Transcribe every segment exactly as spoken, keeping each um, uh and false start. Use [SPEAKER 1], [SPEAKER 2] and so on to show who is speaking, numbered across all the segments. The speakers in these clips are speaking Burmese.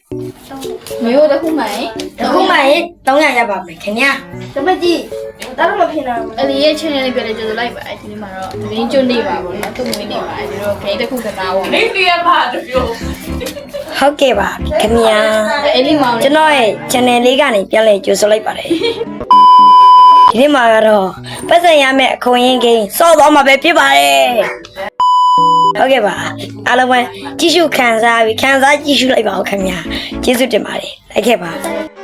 [SPEAKER 1] 没有的后买，
[SPEAKER 2] 后买当然要把没肯定。
[SPEAKER 3] 怎么的？打什么拼了？
[SPEAKER 1] 呃，你也前年那边的就是来吧，今天嘛咯，你就你吧，我都没你吧，就是给的空格拿我。
[SPEAKER 4] 你你也怕就有。
[SPEAKER 2] ဟုတ်ကဲ့ပါခင်ဗျာကျွန်တော်ရဲ့ channel လေးကနေပြန်လဲကြိုဆိုလိုက်ပါတယ်ဒီနေ့မှာကတော့ပတ်စံရမယ့်အခွင့်အရေးကိန်းစော့သွားမှာပဲဖြစ်ပါတယ်ဟုတ်ကဲ့ပါအားလုံးပဲကြည့်ရှုခံစားပြီးခံစားကြည့်ရှုလိုက်ပါဦးခင်ဗျာကျေးဇူးတင်ပါတယ်လိုက်ခဲ့ပါ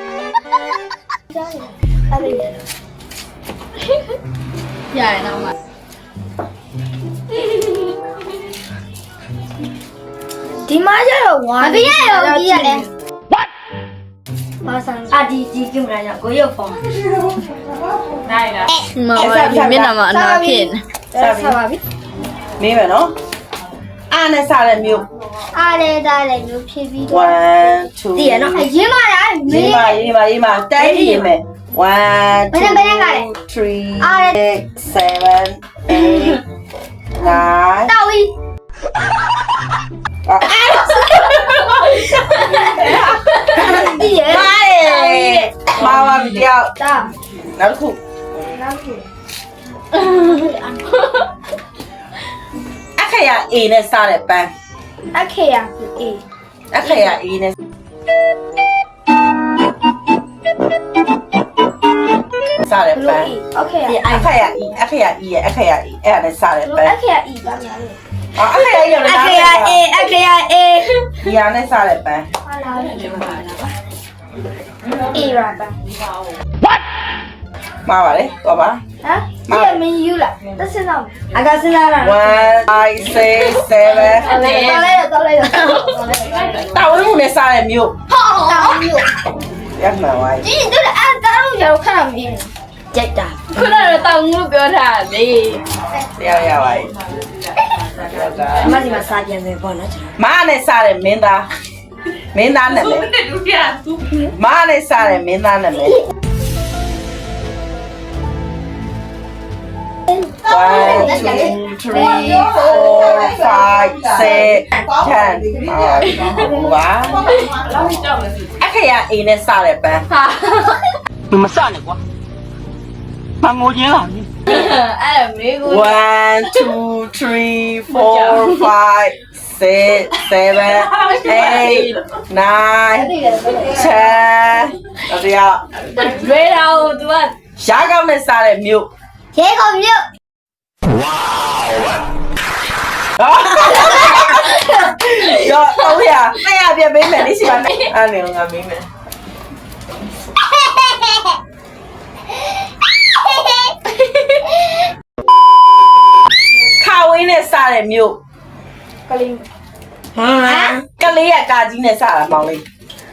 [SPEAKER 1] ရရတော့မှာ
[SPEAKER 3] ဒီမှာကျတော့ဝါမပြရရောကြီးရတယ်
[SPEAKER 2] ဘာဆန်အာဒီဒီကင်မရာကြောင့်ကိုရုပ်ဖုန်း
[SPEAKER 4] နိုင်လား
[SPEAKER 1] မမဒီမျက်နှာမှာအနာဖြစ်နေ
[SPEAKER 3] ဆက်ပါပြီ
[SPEAKER 4] မင်းမယ်နော်အားနဲ့စားတဲ့မျိုး
[SPEAKER 3] အားရတာလည်းမျိုးဖြည့်ပြီးတော့
[SPEAKER 4] one two
[SPEAKER 2] တည်ရနော်
[SPEAKER 3] အရင်မှလားမ
[SPEAKER 4] ရေး
[SPEAKER 3] င်း
[SPEAKER 4] မရေးမရေးမတိုင်းရေးမယ် one two three six seven eight nine
[SPEAKER 3] တောက်ပြီးဒီရ
[SPEAKER 4] ပါတယ်မာပါပြီတယောက်
[SPEAKER 3] တာ
[SPEAKER 4] နောက်တစ်ခု
[SPEAKER 3] နောက်ခု
[SPEAKER 4] အခရာ A နဲ့စားတဲ့ပန်း
[SPEAKER 3] အခေရအေး
[SPEAKER 4] အခရာ A နဲ့စားတဲ့ပန်း
[SPEAKER 3] โอเค
[SPEAKER 4] ဒီအခရာ E အခရာ E ရဲ့အခရာ E အဲ့ဒါနဲ့စားတဲ့ပန်း
[SPEAKER 3] အခေရအီပါများလေ
[SPEAKER 4] အော်အခရာ E ရော
[SPEAKER 2] အ
[SPEAKER 4] လည်း
[SPEAKER 2] ခေရအေးအခေရအေး
[SPEAKER 4] ဒီဟာနဲ့စားတဲ့ပန်း
[SPEAKER 3] ဟာလာအေးရပါ
[SPEAKER 4] မှားပါလေတော့ပါ
[SPEAKER 3] ဟမ်ဒီမင်းယူလာတစ်စင်းတော့
[SPEAKER 2] အကစဉ်းစားရတာ
[SPEAKER 4] one five six seven
[SPEAKER 3] တော်လိုက်တော့တော်လိုက်တော့
[SPEAKER 4] တာဝန်မှုနဲ့စားတဲ့မျိုး
[SPEAKER 3] ဟောတောင်းယူ
[SPEAKER 4] ရမှန်ပါ
[SPEAKER 3] ဒီတို့အဲ့ဒါတော့ရတော့ခဏမင်း
[SPEAKER 2] ကြိုက်တာ
[SPEAKER 1] ခုနကတော့တောင်းလို့ပြောထားလေ
[SPEAKER 4] တရားရပါပြီ
[SPEAKER 2] အမဒီမှာစားပြန်မယ်ပေါ့နော်ကျွန်တော်
[SPEAKER 4] မားနဲ့စားတဲ့မင်းသားမင်းသားနဲ့မယ်မားနဲ့စားတဲ့မင်းသားနဲ့မယ်one two three four five six ten ပါအခရာ A နဲ့စားတဲ့ပန်း
[SPEAKER 1] ဟာ
[SPEAKER 5] 你们散了瓜，把我赢了。
[SPEAKER 1] အဲ့မေကို
[SPEAKER 4] one two three four five six seven eight nine ten တရား
[SPEAKER 1] ရွေးတာကို तू က
[SPEAKER 4] ရှားကောင်းနဲ့စားတဲ့မြို့
[SPEAKER 3] ရဲကောင်မြို့
[SPEAKER 4] ရောတော့ရနှစ်ရပြပေးမယ်လေးရှိပါနဲ့အဲ့နေငါမင်းမယ်ခါဝင်းနဲ့စားတဲ့မြို့
[SPEAKER 3] ကလေး
[SPEAKER 2] ဟမ်
[SPEAKER 4] ကလေးရကာကြီးနဲ့စားတာမောင်လေး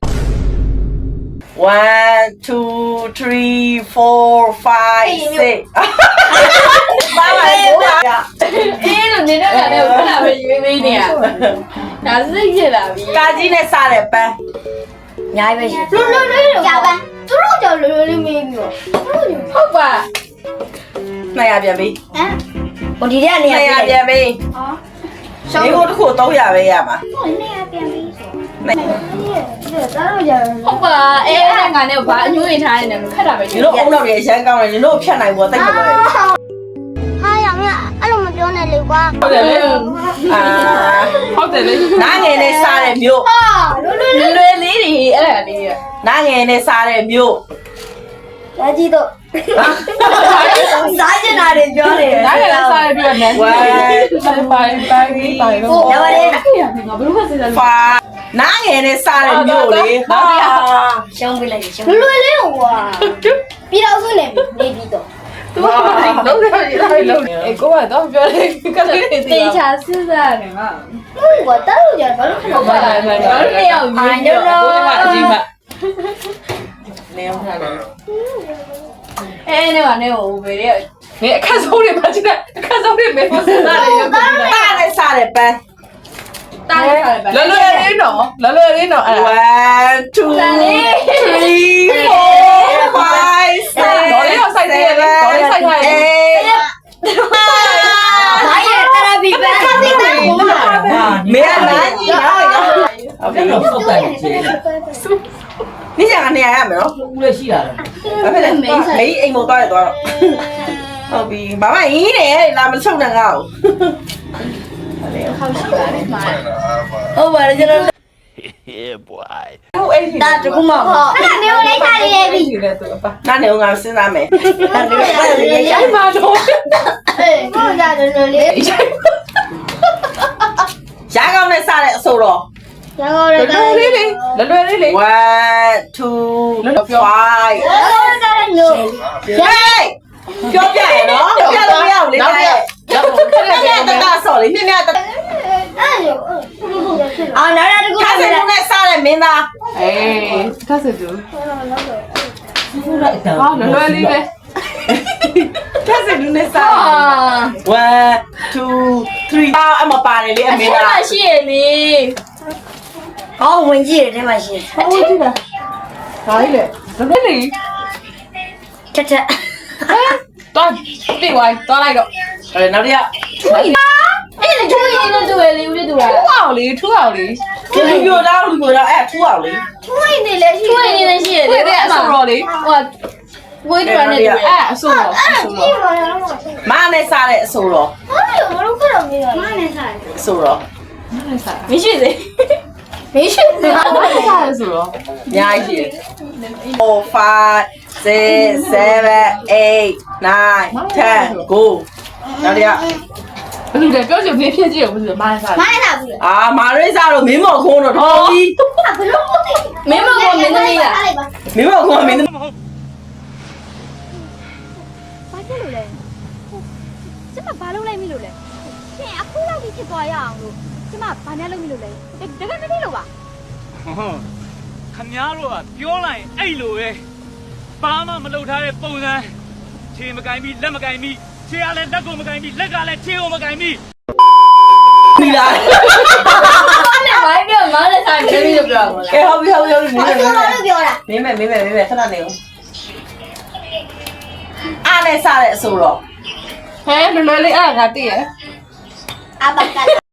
[SPEAKER 4] one two three four five six ပါပါဘူးလား
[SPEAKER 1] အေးလို့နေတော့လည်းခဏပဲရွေးပေးနေရဒါစိတ်ဖြစ်လာပြီ
[SPEAKER 4] ကာကြီးနဲ့စားတဲ့ပန်း
[SPEAKER 2] အများကြီးပဲရှိ
[SPEAKER 3] လွတ်လွတ်လေးကြောက်ပန်းသူတို့ကြောက်လွတ်လွတ်လေးမေးပြီးတော့သူတို့
[SPEAKER 1] ဟုတ်ပါ
[SPEAKER 4] နှစ်ရပြန်ပြီ
[SPEAKER 3] ဟမ်
[SPEAKER 2] ဟိုဒီတဲ့နေရာ
[SPEAKER 4] နှစ်ရ
[SPEAKER 2] ပြ
[SPEAKER 4] ပြန်ပြီ
[SPEAKER 3] အော်
[SPEAKER 4] မိဖို့တစ်ခုသုံးရပဲရမှာ
[SPEAKER 3] ဟိုနေရပြန်ပြီးဆို
[SPEAKER 4] နှစ်
[SPEAKER 3] ဒီတော့ကြောက်
[SPEAKER 1] ဟုတ်ပါအေးအဲ့ငါနဲ့ဘာအညွှန်းထားနေတယ်ခက်တာပဲ
[SPEAKER 4] ညီတို့အုံနောက်တွေရမ်းကောင်းတယ်ညီတို့ဖြတ်နိုင်ဖို့တိတ်ကြတယ်
[SPEAKER 3] ဟာရမအဲ့လိုမပြောနဲ့လေကွာ
[SPEAKER 4] ဟုတ်တယ်လေအာ
[SPEAKER 1] ဟုတ်တယ်လေ
[SPEAKER 4] နားငယ်နဲ့စားတဲ့မြို့
[SPEAKER 3] ဟာလွတ်လွတ်လေး
[SPEAKER 1] လွယ်လေးတွေအဲ့ဒါလေးရ
[SPEAKER 4] နားငယ်နဲ့စားတဲ့မြို့
[SPEAKER 3] လာကြည့်တော့
[SPEAKER 2] စားကျင်တာတွေပြောနေတယ်
[SPEAKER 1] ဒါကလည်းစားရပြီးတော့နန်း
[SPEAKER 4] ဝမ်
[SPEAKER 1] ဆိုင်ပိုင်ပိုင်ပြီးပိုင်တော့
[SPEAKER 2] ရပါတယ်
[SPEAKER 1] ငါဘယ်လိုမှစဉ်းစား
[SPEAKER 4] ဖာနားငယ်နဲ့စားတဲ့မြို့လေဟာ
[SPEAKER 2] ရှုံးပြလိုက်ရှုံး
[SPEAKER 3] လွတ်လွတ်လေးကွာပြီးတော့ဆိုနေနေပြီးတော့
[SPEAKER 1] သူကလုံးလုံးလုံးအေးကိုကတော့ပြောတယ်ကလေးတွေတေချာစဉ်းစားတယ်ငါ
[SPEAKER 3] ဟုတ်ကွာတားလို့ကြဘာလို့ခဏ
[SPEAKER 1] ဘာ
[SPEAKER 3] ပါ
[SPEAKER 1] လဲ
[SPEAKER 3] လဲ
[SPEAKER 1] ဘာလဲနေအောင်ယူနေတော့ကိုကအကြီးမ
[SPEAKER 4] နေအောင်ထားတယ်
[SPEAKER 1] အဲနေကနေဟိုဘေးရဲ့နေအခက်ဆုံးတွေပါချင်တယ်အခက်ဆုံးတွေမေဖို့စဉ်းစားတယ်ရုပ်ကြီး
[SPEAKER 4] တားနဲ့စားတဲ့ပန်း
[SPEAKER 1] တားရတယ်ပဲ
[SPEAKER 4] လောလောလေးနော်လောလောလေးနော်အဲ့ဒါone two three four five six
[SPEAKER 1] တော်လေးတော့စိုက်သေးတယ်တော်လေးစိုက်ထားတယ်
[SPEAKER 2] ဘာရဲ့တရာဘီပဲ
[SPEAKER 4] မင်းကနားကြီးနော်ဟုတ်ပြီ
[SPEAKER 5] 我带你去。
[SPEAKER 4] 你想看你爱没咯？
[SPEAKER 5] 乌来西来了。
[SPEAKER 4] ဘာဖြစ်လဲမေးအိမ်မသွားရသွားတော့ဟုတ်ပြီဘာမှအင်းနဲ့လာမချုပ်နဲ့ငါ့ကို
[SPEAKER 2] ဟုတ်ပါတယ်ကျွန်တော်
[SPEAKER 5] Yeah, boy.
[SPEAKER 4] ဟုတ်အဲ့ဒီ
[SPEAKER 2] ဒါတကူမဟုတ်
[SPEAKER 3] အဲ့ဒါမျိုးလေးထားလေးပြီ
[SPEAKER 4] နားနေငါစဉ်းစားမယ်
[SPEAKER 2] ဒါတကူမဟုတ်လေရိုက်ပါတော့
[SPEAKER 3] အေးကိုကြတယ်လို့လေး
[SPEAKER 4] ရာကောင်းနဲ့စတဲ့အဆိုတော့
[SPEAKER 3] ရကောရကလေးလေး
[SPEAKER 1] လွယ်လွယ်လေးလေး
[SPEAKER 4] one two five
[SPEAKER 3] ရကောရကလေးလို့
[SPEAKER 4] hey ပြောပြရနော်ပြလို့မရဘူးလေနောက်ရက်နောက်ရက်တတဆော်လေနှစ်နှစ်တ
[SPEAKER 3] အဲ့လို
[SPEAKER 2] အော်နောက်တစ်ခု
[SPEAKER 4] ခါစင်းနဲ့စတဲ့မင်းသား
[SPEAKER 1] အေးခါစစ်သူဟာလွယ်လွယ်လေးပဲ
[SPEAKER 4] ခါစင်းနဲ့စ
[SPEAKER 1] ဟာ
[SPEAKER 4] one two three အမပါတယ်လေအမင်းသား
[SPEAKER 1] ရှိရလေ
[SPEAKER 2] ဟောဝင်ကြည့်တယ်ထဲမှာရှိတယ်
[SPEAKER 1] ဟိုကြည့်လားဒါလေးလေလွယ်လွယ်လေး
[SPEAKER 2] ချက်ချက်
[SPEAKER 1] တော့ပြေးဝိုင်းသွားလိုက်တော့
[SPEAKER 4] အဲနောက်တစ်ယောက်
[SPEAKER 1] အဲ့လေချိုးရင်းနဲ့တူရလေဦးလေးတူရထူအောင်လေထူအောင်လေ
[SPEAKER 4] ဒီလူမျိုးတော့လူမျိုးတော့အဲ့ထူအောင်လေ
[SPEAKER 3] ထွေးနေလေရှိ
[SPEAKER 1] ချိုးရင်းနဲ့ရှိရလေတဲ့အဆိုတော်လေဟိုဝေးတူရနဲ့တူအဲ့အဆိုတော်အဆို
[SPEAKER 3] ဒီ
[SPEAKER 1] တော်
[SPEAKER 3] မှာတော့
[SPEAKER 4] မနဲ့စတဲ့အဆိုတော့
[SPEAKER 3] ဟာလို့မလို့ကတော့မင်းမနဲ့ဆိုင်
[SPEAKER 4] အဆိုတော့
[SPEAKER 1] မရှိသေးမရှိသေးဘာလို့စားလဲဆိုတော့
[SPEAKER 4] အများကြီးရှိတယ်four five six seven eight nine ten go နောက်တစ်ယောက်
[SPEAKER 1] ဘယ်လိုလဲပြောချင်ပြည့်ဖြစ်ကြည့်အောင်ဘယ်လိုမိုင်းစား
[SPEAKER 3] မနဲ့စားဘူး
[SPEAKER 4] အာမာရိစာတော့မင်းမော်ခုံးတော့တော်ပြီ
[SPEAKER 3] ဘလို့မသိ
[SPEAKER 1] မင်းမကမင်းသမီးလား
[SPEAKER 4] မင်းမော်ခုံးကမင်း
[SPEAKER 3] ဘာဖြစ်လို့လဲကျမဘာလုပ်လိုက်မိလို့လဲရှင်အခုလောက်ကြီးဖြစ်သွားရအောင်လို့ကျမဘာနဲ့လုပ်မိလို့လဲတကယ်မသိလို့ပါ
[SPEAKER 6] ဟုတ်ခမားတို့ကပြောလိုက်အဲ့လိုပဲဘာမှမလုပ်ထားတဲ့ပုံစံခြေမကင်ပြီးလက်မကင်ပြီးခြေကလည်းလက်ကိုမကင်ပြီးလက်ကလည်းခြေကိုမကင်ပြီး
[SPEAKER 4] ပြီလား
[SPEAKER 1] နဲ့မိုင်းပြောမားနဲ့စားတယ်လို့ပြောတာ
[SPEAKER 4] ကဲဟုတ်ပြီဟုတ်ပြီဟုတ်ပြီ
[SPEAKER 3] ဘာပြောလို့ပြောတာ
[SPEAKER 4] မင်းမယ်မင်းမယ်မင်းမယ်ခဏနေဦးအားနဲ့စတဲ့အဆိုတော့
[SPEAKER 1] ဟဲလွယ်လွယ်လေးအဲ့ငါတည့်ရ
[SPEAKER 3] အဘကလာ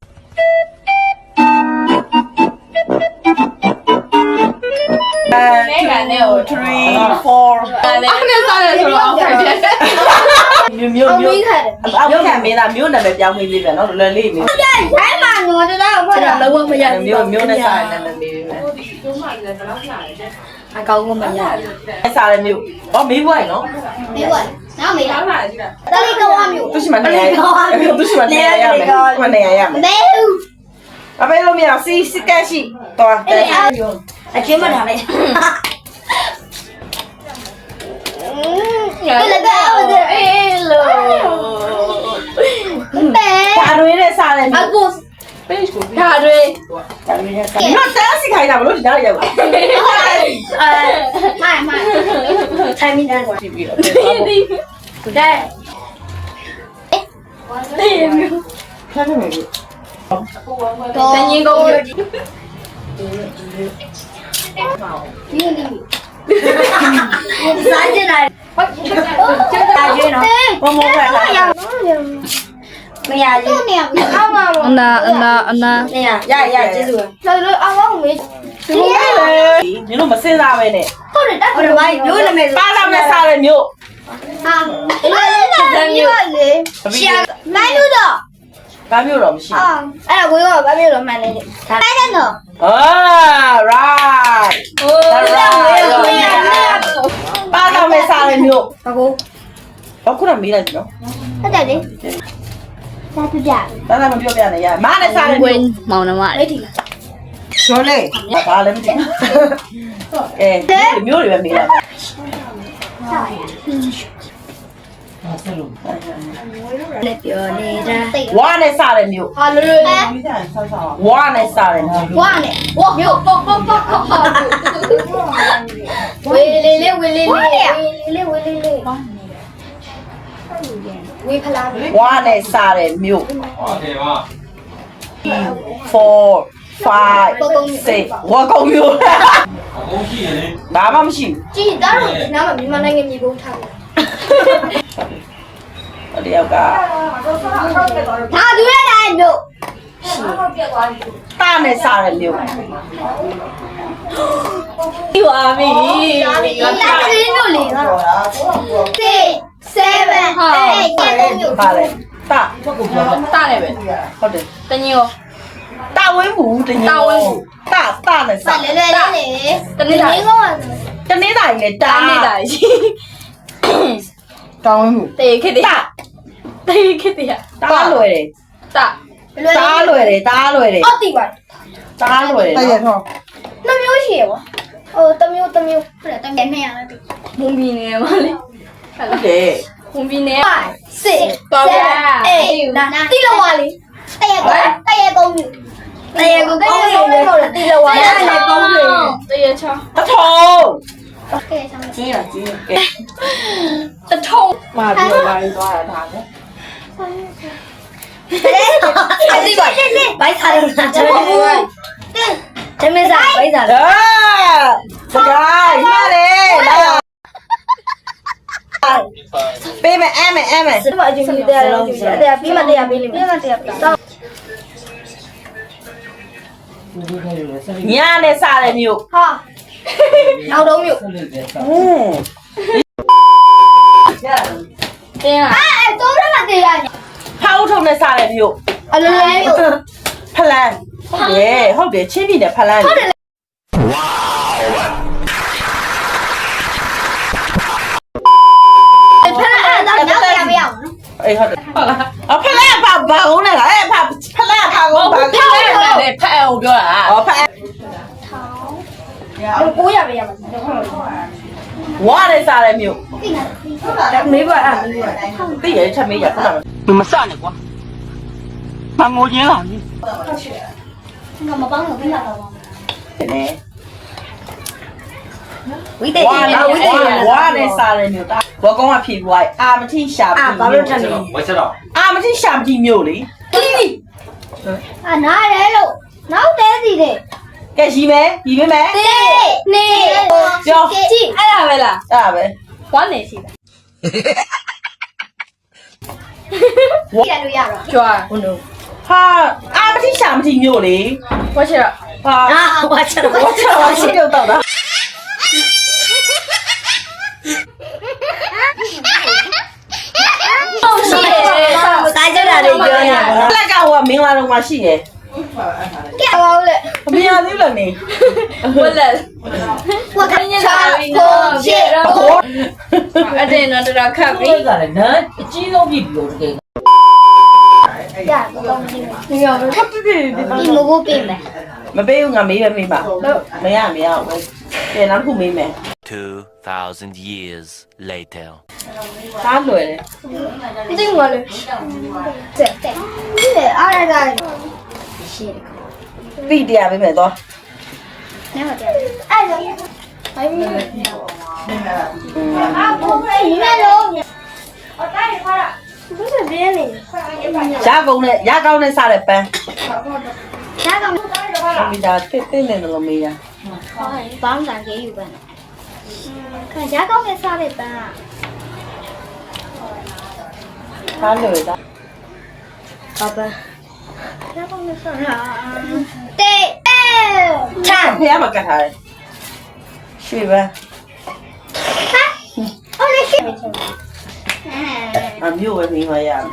[SPEAKER 4] three four
[SPEAKER 1] အဲ့နဲ့စားတယ်ဆိုတော့အောက်ခိုင်တယ်
[SPEAKER 4] မျိုးမျိုးမျိုးအောက်ခံမင်းသားမျိုးနာမည်ပြောင်းပေးပြီပဲနော်လွယ်လေးမျိုး
[SPEAKER 3] ဘိုင်းမှာငေါ်တော့ဖွ
[SPEAKER 2] အဲ့
[SPEAKER 3] င့်
[SPEAKER 2] ဒါ
[SPEAKER 3] တော့
[SPEAKER 2] လုံးဝမရဘူး
[SPEAKER 4] မျိုးမျိုးနဲ့စားတဲ့နာမည်ပေးပြီ
[SPEAKER 2] အကောင်းကမရဘူး
[SPEAKER 4] အဲ့စားတဲ့မျိုးဟောမေးဘွားနော်
[SPEAKER 3] ဒီကွာနောက်မေးတာတလေးကောင်းမျိုး
[SPEAKER 4] သူရှိမှနေရသူရှိမှနေရရမယ်မနေရရမယ်
[SPEAKER 3] မဲဦး
[SPEAKER 4] အမေလို့မရစီစကက်ရှိတော်တယ်
[SPEAKER 2] အချင်းမထားနဲ့
[SPEAKER 3] ဘယ်လိုလဲအေးလို့ဘယ်
[SPEAKER 4] ဒါတွေနဲ့စားတဲ့မျိုး
[SPEAKER 3] အခု
[SPEAKER 1] page ကိုဒါတွေ
[SPEAKER 4] ဒါတွေနဲ့စားနော်တန်းစီခိုင်းတာမလို့ဒီနောက်ရောက်လာ
[SPEAKER 3] အဲမိုင်မိုင်
[SPEAKER 2] ထိုင်မိတယ်ကွာ
[SPEAKER 4] ကြည့်ပြီးတော့
[SPEAKER 2] တဲ့
[SPEAKER 4] ခါနေမယ်
[SPEAKER 3] တော့
[SPEAKER 1] တန်ရင်ကုန်ရ
[SPEAKER 3] ဒီလို
[SPEAKER 2] စားကြတယ်ဟုတ်ကျန်တာကျွေးနော်
[SPEAKER 4] ဘုံဘုံပဲလား
[SPEAKER 2] မရဘူး
[SPEAKER 3] နေရအောင်းမှာ
[SPEAKER 2] အနာအနာအနာနေရရရကျေးဇူး
[SPEAKER 3] တော်တော်အောင်းအောင်မေး
[SPEAKER 4] ဒီမင်းတို့မစင်စားပဲနဲ့
[SPEAKER 3] ဟုတ်တယ်တက်
[SPEAKER 2] ဟိုတော့ဘာမျိုးနာမည်
[SPEAKER 4] ပါလာနဲ့စားတဲ့မျိုး
[SPEAKER 3] ဟာလေလေမျိုးလေ
[SPEAKER 4] ရှာ
[SPEAKER 3] နိုင်လို့တော့
[SPEAKER 4] ဘာမျိုးတော့မရှိ
[SPEAKER 3] အာအဲ့ဒါကိုရောဘာမျိုးတော့မှန်နေတယ်တိုင်းတယ်နော်
[SPEAKER 4] အာ right
[SPEAKER 1] ဟိုး
[SPEAKER 4] ပါလာနဲ့စားတဲ့မျိုး
[SPEAKER 2] ဘာကို
[SPEAKER 4] ဘာခုနမေးလိုက်ပြီနော်
[SPEAKER 3] ဟုတ်တယ်လေသာပြကြ
[SPEAKER 4] ဒါသာမပြောပြနဲ့ရမနဲ့စားတဲ့မျိုး
[SPEAKER 2] မောင်နှမ
[SPEAKER 3] လေးဒီလား
[SPEAKER 4] ပြောလေဘာလဲမသိဘူးအဲမျိုးတွေပဲမေးတာ
[SPEAKER 2] လက်ပြောနေတာ
[SPEAKER 4] ဝါနဲ့စားတဲ့မျိုး
[SPEAKER 3] ဟာလွယ်လွယ်လေး
[SPEAKER 4] ဝါနဲ့စားတဲ့မျိုး
[SPEAKER 3] ဝါနဲ့ဝါမျိုးပေါ့ပေါ့ပေါ့ပေါ့ဝေးလေးလေးဝေးလေးလေးဝေးလေးလေးဝေးလေးလေးဝေးဖလား
[SPEAKER 4] ဝါနဲ့စားတဲ့မျိုးfour five six ဝါကောင်မျိုးဘာမှမရှိ
[SPEAKER 3] ကြည်သားတို့ဒီနားမှာမြန်မာနိုင်ငံမြေပုံထားတယ်
[SPEAKER 4] ဘူးတယောက်က
[SPEAKER 3] ဒါသူရတိုင်းမျိုး
[SPEAKER 4] တာနဲ့စားတဲ့မြို့
[SPEAKER 1] ဒီပါမီ
[SPEAKER 3] လာခင်းလို့လေကsix seven eight
[SPEAKER 4] ပါလေတာ
[SPEAKER 1] တာနဲ့ပဲ
[SPEAKER 4] ဟုတ်တယ်
[SPEAKER 1] တညော
[SPEAKER 4] တာဝင်းဘူးတညတာတာနဲ့
[SPEAKER 3] ပါ
[SPEAKER 4] စား
[SPEAKER 3] လေလေလေ
[SPEAKER 1] တနေ့တိုင်း
[SPEAKER 3] ကော
[SPEAKER 4] တနေ့တိုင်းလေတာ
[SPEAKER 1] တာနေ့တိုင်း
[SPEAKER 4] တောင်းဝင်းဘူး
[SPEAKER 1] တေခစ်တေ
[SPEAKER 4] တာ
[SPEAKER 1] တေခစ်တေ
[SPEAKER 4] တာလွယ်တယ်
[SPEAKER 1] တာ
[SPEAKER 4] တာလွယ်တယ်တာလွယ်တယ်
[SPEAKER 3] အော်တီပါ
[SPEAKER 4] တာလွယ်တယ်
[SPEAKER 7] တရထော
[SPEAKER 3] နှမျိုးရှိရပါဟိုတမျိုးတမျိုးဟုတ်တယ်တမျိုးနဲ့ရတယ်
[SPEAKER 1] မွန်ဘီနေမှာလေ
[SPEAKER 4] ဟုတ်တယ်
[SPEAKER 1] မွန်ဘီနေ
[SPEAKER 3] five six seven eight နာတီလောဝါလေးတရကောတရကောမျိုးတရကောကောမျိုးလို့တီလောဝါလေးလည်းကောမျိုး
[SPEAKER 1] တရချော
[SPEAKER 4] တထုံ
[SPEAKER 3] ကဲဆောင်
[SPEAKER 4] ကြီးရကြီးကဲ
[SPEAKER 1] တထုံ
[SPEAKER 4] မာပြောလာရင်သွားတာဒါနဲ့
[SPEAKER 3] အတီပါ
[SPEAKER 2] ဘိုက်စားလို့လားကျွန်တော်တမစားဘိုက်စား
[SPEAKER 4] ဒါစကားရရတယ်လာပေးမယ်အဲ့မယ်အဲ့မယ်
[SPEAKER 3] စမအကျဉ်းကြီးတရားလုံးကျတယ်တရားပြီးမှတရားပြီးလိမ့်မယ်ပြီးမှတရားပြီးတော့
[SPEAKER 4] ညာနဲ့စားတဲ့မြို့
[SPEAKER 3] ဟာနောက်တော့မျိုး
[SPEAKER 4] ဟင်း
[SPEAKER 1] တင်းလား
[SPEAKER 3] အဲတော့ရမှာတရားည
[SPEAKER 4] ဖောက်ထုံနဲ့စားတဲ့မြို့
[SPEAKER 3] အလိုလိုမျိုး
[SPEAKER 4] ဖလန်ဟုတ်တယ်ဟုတ်တယ်ချင်းပြည်နယ်ဖလန်ဟုတ်တယ်
[SPEAKER 3] ဖက်အဲ့ဒါနောက်တရားပြရအောင်နော်
[SPEAKER 4] အေးဟုတ်တယ်အဖလန်ဘာဘာဦးနဲ့လားအဲ့ဖဖလန်ဘာဦးဘာ
[SPEAKER 1] ဖက်လေဖက်အောင်ပြောတာ
[SPEAKER 4] အော်ဖ
[SPEAKER 3] ကိုရပြရမှာ
[SPEAKER 4] ဝါနဲ့စားတဲ့မြို့
[SPEAKER 3] မေးပါအဲ့
[SPEAKER 4] သိရချက်မေးရခဏ
[SPEAKER 5] 你们散了瓜，那我赢了你。
[SPEAKER 3] ငါမပေါင်းလို့ပြီးလာတော့
[SPEAKER 4] နေ
[SPEAKER 2] ဝိတေး
[SPEAKER 4] ဝါလာဝဝါနဲ့စားတဲ့မြို့ဒါဘောကောင်ကဖြေပွားအာမတိရှာ
[SPEAKER 2] အာ
[SPEAKER 4] ပြီ
[SPEAKER 2] ဘာလို့ထပ်နေ
[SPEAKER 4] အာမတိရှာပြီမြို့လေ
[SPEAKER 3] အာနားရဲလို့နောက်တဲစီတဲ့
[SPEAKER 4] ကဲရီမယ်ရီပေးမယ်
[SPEAKER 3] တေးနေ
[SPEAKER 4] ပြော
[SPEAKER 3] ကြည့်
[SPEAKER 1] အဲ့ဒါပဲလား
[SPEAKER 4] အဲ့ဒါပဲ
[SPEAKER 1] ဝမ်းနေရှိတာ
[SPEAKER 3] ကြည့်ရလို့ရတော့
[SPEAKER 1] ကြွား
[SPEAKER 2] ဟုတ်လို့
[SPEAKER 4] ဟာအာမတိရှာမတိမြို့လေ
[SPEAKER 1] ဝါချရ
[SPEAKER 4] ဟာ
[SPEAKER 2] အာဝါချတော့
[SPEAKER 4] ဝါချဝါချပြုတ်တော့တာ
[SPEAKER 1] ဟုတ်ရှိတယ်
[SPEAKER 2] စားကြတာတွေပြောနေတာက
[SPEAKER 4] လက်ကဟိုကမင်္ဂလာတော့မှရှိတယ်
[SPEAKER 3] ကြည့်အောင်လေ
[SPEAKER 4] အမေရသေးလို့နေ
[SPEAKER 1] ဝက်လက်
[SPEAKER 3] ဝတ်ခင်းချာကိုရှေ့
[SPEAKER 4] ဟော
[SPEAKER 1] အတင်းတော့တော်ခတ်ပြီ
[SPEAKER 7] ကလည်းနန်းအကြီးဆုံးပြီလို့တကယ်
[SPEAKER 3] ရတော့ကြည့်မယ်ရော
[SPEAKER 4] ခပ်ပြီပြီ
[SPEAKER 3] ဒီမဟုတ်ပြင်မယ်
[SPEAKER 4] မပေးဘူးငါမေးပဲမေးပါမရမရဘူးကဲနောက်ခုမေးမယ်
[SPEAKER 8] Two thousand years later.
[SPEAKER 4] သားလွယ်တယ်
[SPEAKER 3] ဒီငါလေတဲ့တဲ့ဒီအားရတာရှေ့
[SPEAKER 4] ပြီတရားပေးမယ်တော့
[SPEAKER 3] နေမတဲ့အဲ့ဒါဟိုင်းအာဘုံလေးမဲလို့အတိုင်းခါရဘယ်လိုလဲလဲ
[SPEAKER 4] ရကုန်းနဲ့ရကောင်းနဲ့စားတဲ့ပန်း
[SPEAKER 3] ဒါကောင်
[SPEAKER 4] မီတာတစ်တစ်နဲ့လို့မေးရ
[SPEAKER 3] ဘောင်းတန်ကြီးယူပန်းခံရကောင်းနဲ့စားတဲ့ပန်း
[SPEAKER 4] သားလွယ်တာ
[SPEAKER 2] ဘာပန်း
[SPEAKER 3] ရကောင်းနဲ့စားတာတေးအဲ
[SPEAKER 4] ချမ်းဖះမှာကတ်ထားတယ်ရွှေပန်း
[SPEAKER 3] ဟာအော်လေရှေ့
[SPEAKER 4] အမျိုးပဲမေးမှရမယ်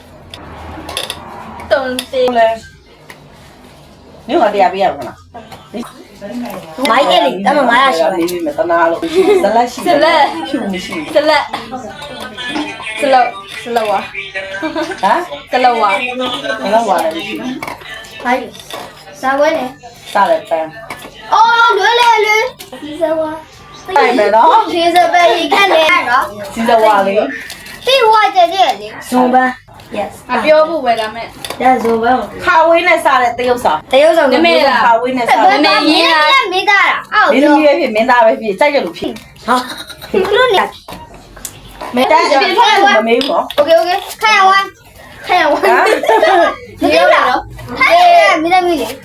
[SPEAKER 1] တုံတေး
[SPEAKER 4] ဟုတ်လဲမြို့ကတရားပေးရမလား
[SPEAKER 2] မိုင်းအဲ့လေတမငါရရှိပါ
[SPEAKER 4] မေးပေးမယ်တနာလို့ဇလက်ရှိဖြူမရှိ
[SPEAKER 1] စလက်စလောက်စလောက်ဝါ
[SPEAKER 4] ဟမ်
[SPEAKER 1] စလောက်ဝါ
[SPEAKER 4] ဘယ်တော့ဝါလဲမရှိ
[SPEAKER 3] ဟိုင်းစားဝဲနေ
[SPEAKER 4] စားတယ်ပန်း
[SPEAKER 3] အော်လွယ်လေလွယ်ဒီစဝါ
[SPEAKER 4] အဲ့မယ်နော်
[SPEAKER 3] ဒီစပယ်ကြီးခက်နေနော်
[SPEAKER 4] စီစဝါလေး
[SPEAKER 3] ပြီးဝါကြတဲ့လေ
[SPEAKER 2] ဇွန်ပန်း yes
[SPEAKER 1] အပြောဖို့ပဲဒါမဲ့
[SPEAKER 2] ဒါဇွန်ပန်း
[SPEAKER 4] ခါဝေးနဲ့စားတဲ့တရုပ်ဆောင်
[SPEAKER 2] တရုပ်ဆောင်
[SPEAKER 1] နမေလား
[SPEAKER 4] ခါဝေးနဲ့စား
[SPEAKER 3] ဘယ်မှာရင်းနဲ့မိသားတာအော်
[SPEAKER 4] မင်းသမီးပဲဖြစ်မင်းသားပဲဖြစ်စိုက်ကြလို့ဖြစ်
[SPEAKER 2] ဟာ
[SPEAKER 3] ဘလို့လဲ
[SPEAKER 4] မင်းသားအပြင်ထွက်လို့မမေးဘူးနော်
[SPEAKER 3] โอเคโอเคခရဝမ်းခရဝမ်း
[SPEAKER 4] ဟမ်
[SPEAKER 3] မပြောတာနော်ဟဲ့မိသားမိလေ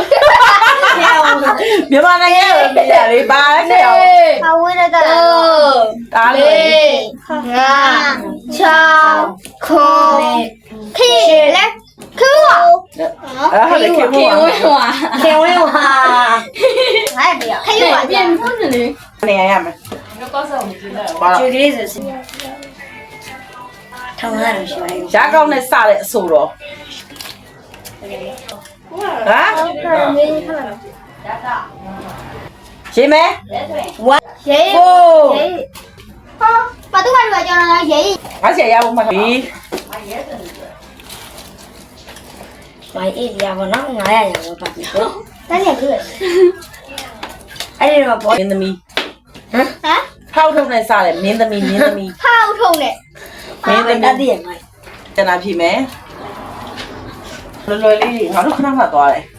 [SPEAKER 4] မြန်မာနိုင်ငံရဲ့ပြည်ရလေးပါခဲ့အောင်
[SPEAKER 3] အဝေးရတာ
[SPEAKER 4] ဒါလေ
[SPEAKER 3] ငါချောင်းခွန်ခေလက်ခူးပါ
[SPEAKER 4] အဲ့ဒါလည်းခေဖို့ပါ
[SPEAKER 2] ခေဝင်းဟာ
[SPEAKER 3] ငါတည်းခယူပါပြန်ဖုန်းနေလေ
[SPEAKER 4] နေရရမယ်ပါ
[SPEAKER 2] ကျွေးကလေးဆိုစီထောင်းရတယ်ရှိပါရဲ့
[SPEAKER 4] ရကောင်းနဲ့စတဲ့အဆိုတော့ဟမ် ရေမဲ
[SPEAKER 2] one
[SPEAKER 3] ရေး
[SPEAKER 2] four
[SPEAKER 3] ဟာဘာတူပါလို့ကြောင်းလားရေး
[SPEAKER 4] ငါစီရဖို့မှပြီ
[SPEAKER 2] မိုင်းအေးရပါတော့900ရပါတော့ပြီပေါ့
[SPEAKER 3] တန်းနေပြီ
[SPEAKER 2] အဲ့ဒီတော့ဘော
[SPEAKER 4] မင်းသမီး
[SPEAKER 2] ဟမ်
[SPEAKER 3] ဟမ်
[SPEAKER 4] ဖောက်ထုတ်နဲ့စတယ်မင်းသမီးမင်းသမီး
[SPEAKER 3] ဖောက်ထုံနဲ့
[SPEAKER 4] မင်းသမီး
[SPEAKER 2] တတ်ရမိုင်း
[SPEAKER 4] ကျန်တာဖြစ်မယ်လွယ်လွယ်လေးငါတို့ခဏခဏသွားတယ်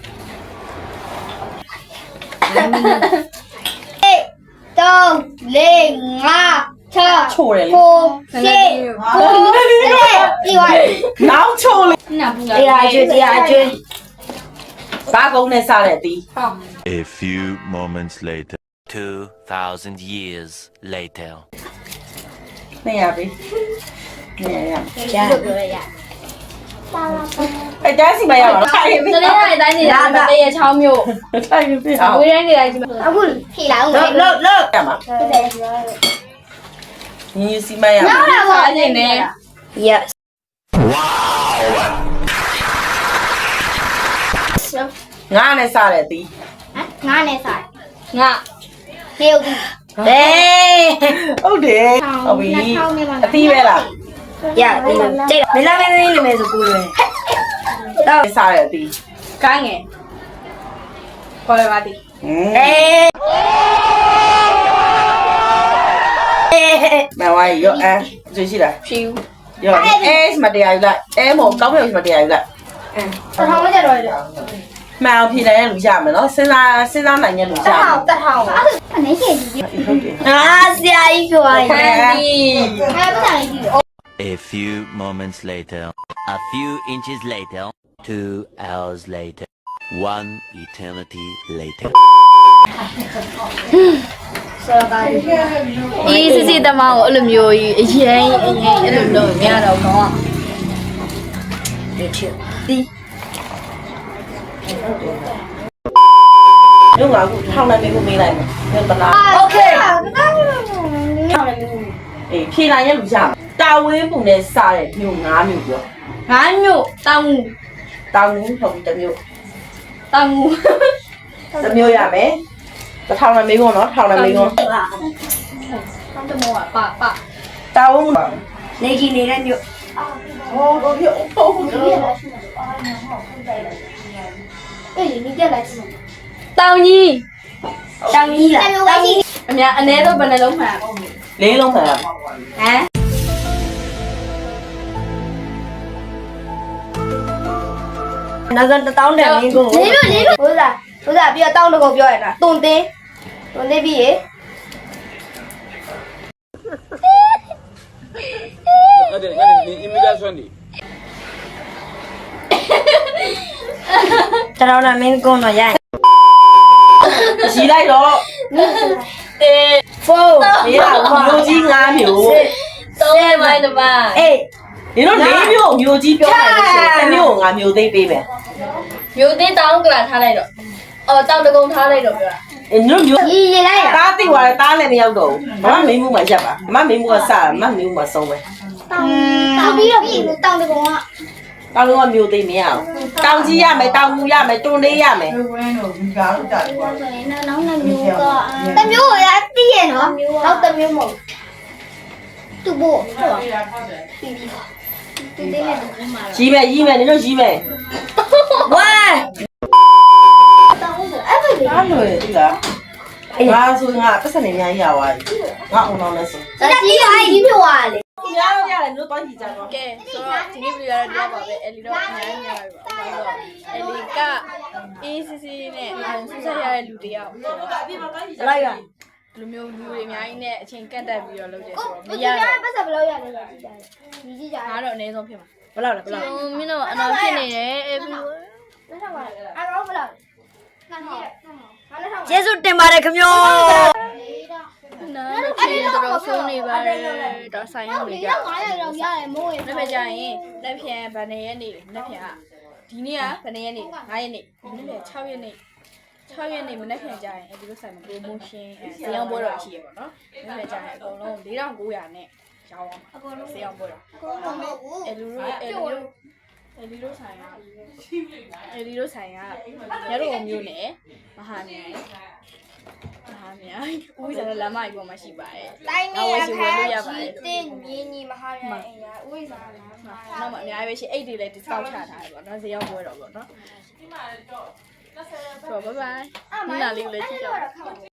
[SPEAKER 3] အေးသုံးလေးငါးချော
[SPEAKER 4] ချိုးတယ်လေ
[SPEAKER 3] ကိုရှစ်ကိုဒီဝိုင်း
[SPEAKER 4] နောက်ချိုးလေ
[SPEAKER 2] အေးအကျွေးတရားအကျွေး
[SPEAKER 4] ဘာကုန်းနဲ့စတဲ့အတီး
[SPEAKER 8] A few moments later. Two thousand years later.
[SPEAKER 4] နေရပြီနေရရ
[SPEAKER 2] ကြာ
[SPEAKER 3] လို့ပြောရရ
[SPEAKER 4] အဲ့တန်းစီမရပါဘူးထိုင်ပြီ
[SPEAKER 1] တလေးတိုင်းတိုင်းနေတာမတရေချောင်းမျိုး
[SPEAKER 4] ထိုင်ပြီအောင်
[SPEAKER 1] ဝေးတိုင်းနေတိုင်းကြီးမှာ
[SPEAKER 3] အခုဖြေလာအောင်
[SPEAKER 2] လောလောလော
[SPEAKER 4] ရမှာ
[SPEAKER 3] ဟုတ်တယ်
[SPEAKER 4] ညီညီစီမရ
[SPEAKER 3] နောက်လာပါအနေနဲ့
[SPEAKER 2] yes
[SPEAKER 4] ငါနဲ့စတဲ့အတီး
[SPEAKER 3] ငါနဲ့ဆိုင်
[SPEAKER 1] ငါ
[SPEAKER 3] နေဦးဒီ
[SPEAKER 2] ဟေး
[SPEAKER 4] ဟုတ်တယ်ဟုတ်ပြီအတီးပဲလား
[SPEAKER 2] ရဒီကြိတ်မင်းသားမင်းသမီးနာမည်ဆိုကိုလွယ်တော့
[SPEAKER 4] စတဲ့အတီး
[SPEAKER 1] ကိုင်းငယ်ခေါ်ရပါသည်
[SPEAKER 4] ဟင်း
[SPEAKER 2] အေး
[SPEAKER 4] မဝိုင်းရောအဲကြည့်ရှိလား
[SPEAKER 1] ဖြူ
[SPEAKER 4] ရောအဲစမတရားယူလိုက်အဲမောကောင်းမြောက်စမတရားယူလိုက်
[SPEAKER 3] တထောင်မကြတော့ရ
[SPEAKER 4] မှန်အောင်ဖြေနိုင်တဲ့လူရမယ်နော်စဉ်းစားစဉ်းစားနိုင်တဲ့လူရ
[SPEAKER 3] တ
[SPEAKER 4] မယ်
[SPEAKER 3] ထောင်တထောင်အနေရှိကြည့်
[SPEAKER 4] ဟုတ်တယ်
[SPEAKER 2] အာဆရာကြီးပြောရ
[SPEAKER 4] ဟဲ့
[SPEAKER 2] ရင်
[SPEAKER 3] အဲပတ်တိုင်းကြည့်
[SPEAKER 8] A few moments later. A few inches later. Two hours later. One eternity later.
[SPEAKER 1] အေးစစ်စစ်တမောင်းကိုအဲ့လိုမျိုးကြီးအရင်အရင်အဲ့လိုလုပ်မရတော့ကောင်း
[SPEAKER 2] ဒီချီဒီ
[SPEAKER 4] ညငါကထောင်းနေမျိုးမေးလိုက်မယ်ညတလား
[SPEAKER 2] โอเค
[SPEAKER 4] အေးဖြေနိုင်တဲ့လူရမယ်တာဝင်းပုံနဲ့စတဲ့မျိုး၅မျိုးပြော
[SPEAKER 1] ငါမျိုးတောင်ငူ
[SPEAKER 4] တောင်းဘူးဟုတ်ပြီတစ်မျိုး
[SPEAKER 1] တောင်ငူ
[SPEAKER 4] တစ်မျိုးရမယ်တစ်ထောင်နဲ့မေးခွန်းနော်ထောင်နဲ့မေးခွန်း
[SPEAKER 1] တောင်တမောကပပ
[SPEAKER 4] တာဝင်း
[SPEAKER 2] နေကြီးနေတဲ့မြို့
[SPEAKER 4] ဟောတော့ပြဟုတ်ဟုတ်
[SPEAKER 3] အေးဒီကြလိုက်စမ်း
[SPEAKER 1] တောင်ကြီး
[SPEAKER 2] တောင်ကြီးလား
[SPEAKER 3] တမျိုးပဲရှိ
[SPEAKER 1] အများအ ਨੇ တော့ဘယ်နှလုံးမှန်
[SPEAKER 4] လေးလုံးမှန်
[SPEAKER 1] ဟမ်
[SPEAKER 2] နောက်ဆုံးတစ်တောင်းတန်မင်းကို
[SPEAKER 3] လေးလို့လေးလို့ဘိုးစားဘိုးစားပြီးတော့တောင်းတကောပြောရတာတုံတင်းတုံတင်းပြီးရေ
[SPEAKER 2] တရောင်းတန်မင်းကိုတော့ရရင်
[SPEAKER 4] ရီလိုက်တော့
[SPEAKER 1] တေ
[SPEAKER 2] four
[SPEAKER 4] မေးတာမျိုးကြီး၅မျိုး
[SPEAKER 1] သုံးရမိုင်းတမ
[SPEAKER 2] eight
[SPEAKER 4] ဒီတော့၄မျိုးမျိုးကြီးပြောနိုင်လို့ရှိရင်တစ်မျိုးကို၅မျိုးသိပေးမယ်
[SPEAKER 1] မျိုးသေးတောင်းကလာထားလိုက်တော့အော်တောင်တကုံထားလိုက်တော့ပြော
[SPEAKER 4] အင်းတို့မျိုး
[SPEAKER 3] ရီရီလိုက်တာ
[SPEAKER 4] တားသိသွားတယ်တားလည်းမရောက်တော့ဘူးမမမေးမှုမှရပ်ပါမမမေးမှုကစမမမေးမှုမှဆုံးပဲ
[SPEAKER 3] တောင်းတောင်းပြီးတော့ပြီးတောင်းတကောက
[SPEAKER 4] တောင်းလုံးကမျိုးသိမရအောင်တောင်းကြီးရမယ်တောင်းမူရမယ်တွန်းလေးရမယ်
[SPEAKER 3] ဆိုရင်နောက်နှစ်မျိုးကတမျိုးကိုရသိရနော်နောက်တမျိုးမဟုတ်သူ့ဘို့ဟုတ်ပြီးပြီးသူတင်းနဲ့တူမှာ
[SPEAKER 4] ရီးမယ်ရီးမယ်နင်တို့ရီးမယ်
[SPEAKER 2] one
[SPEAKER 3] တောင်းဆိုအဲ့ဘယ်
[SPEAKER 4] အားလို့ရည်လားငါဆိုငါပတ်စံနေအများကြီးရသွားပြီငါအောင်အောင်လဲဆို
[SPEAKER 3] ဒါကြီးအဲ့ဒီပြောရလေ
[SPEAKER 4] ဒီများတော့ရတယ်နင်တို့တော့ကြည့်ကြတော့
[SPEAKER 1] ကဲဆိုတော့ဒီနေ့ဗီဒီယိုရတော့ပါပဲအဲ့လီတော့အများကြီးများပါပါတော့အဲ့လီကအေးစစ်စစ်နဲ့အောင်ဆူဆက်ရတဲ့လူတယောက်ဆိုတော့
[SPEAKER 2] လိုက်ရ
[SPEAKER 1] လူမျိုးလူတွေအများကြီးနဲ့အချိန်ကန့်တက်ပြီးတော့လုပ်တယ်
[SPEAKER 3] ကို
[SPEAKER 1] ဆိုတော့မ
[SPEAKER 3] ကို
[SPEAKER 1] ရ
[SPEAKER 3] ကြီးရ
[SPEAKER 1] တော့
[SPEAKER 3] ပတ်စပ်ဘယ်လောက်ရလဲကြည့်ကြတယ်ညီကြည့်ကြတယ်
[SPEAKER 1] ငါတော့အနည်းဆုံးဖြစ်မှာ
[SPEAKER 2] ဘယ်လောက်လဲဘယ်လောက်
[SPEAKER 1] မင်းတို့အနောက်ဖြစ်နေတယ်အဲ့ပြီး
[SPEAKER 3] လက်ထောက်ပါအဲ့တော့ဘယ်လောက်ငါကြည့်ငါလက်ထောက်
[SPEAKER 2] ကျေးဇူးတင်ပါတယ်ခင်ဗျာ
[SPEAKER 1] နားလို့ချင်းတော့ဆုံးနေပါတယ်ဒါဆိုင်ရုံနေကြ
[SPEAKER 3] ငါရတော့ရတယ်မိုးရ
[SPEAKER 1] လက်ဖက်ကြရင်လက်ဖြန်ဗန်နေရဲ့နေလက်ဖြန်ကဒီနေ့ကဘယ်နှစ်ရက်နေ့၅ရက်နေ့ဒီနေ့လည်း၆ရက်နေ့၆ရက်နေ့မနေ့ပြန်ကြရင်အဲဒီလိုဆိုင်မှာ promotion ဈေးအောင်ပွဲတော်ရှိရပါတော့။မနေ့ပြန်ကြရင်အကုန်လုံး၄ထောင်၉ရာနဲ့ရောင်းအောင်အကုန်လုံးဈေးအောင်ပွဲတော်
[SPEAKER 3] ကိုမမဘူး
[SPEAKER 1] အဲလူတို့အဲလူတို့အဲလူတို့ဆိုင်ကအဲလူတို့ဆိုင်ကရတော့မျိုးနဲ့မဟာမြိုင်မဟာမြိုင်ဦးစားလမ်းမကြီးပေါ်မှာရှိပါတယ်
[SPEAKER 3] တိုင်းနေရခါကြီးတင်မြင်းကြီးမဟာရအိမ်ရဥိစားလား
[SPEAKER 1] နောက်မှအများကြီးပဲရှိအိတ်တွေလည်း discount ချထားတယ်ပေါ့နော်ဈေးရောက်ပွဲတော့ပေါ့နော်ဆိုတော့ bye bye
[SPEAKER 3] အမ
[SPEAKER 1] ဒီနာလေးကိုလည်းကြည့်ကြပါ
[SPEAKER 3] တော့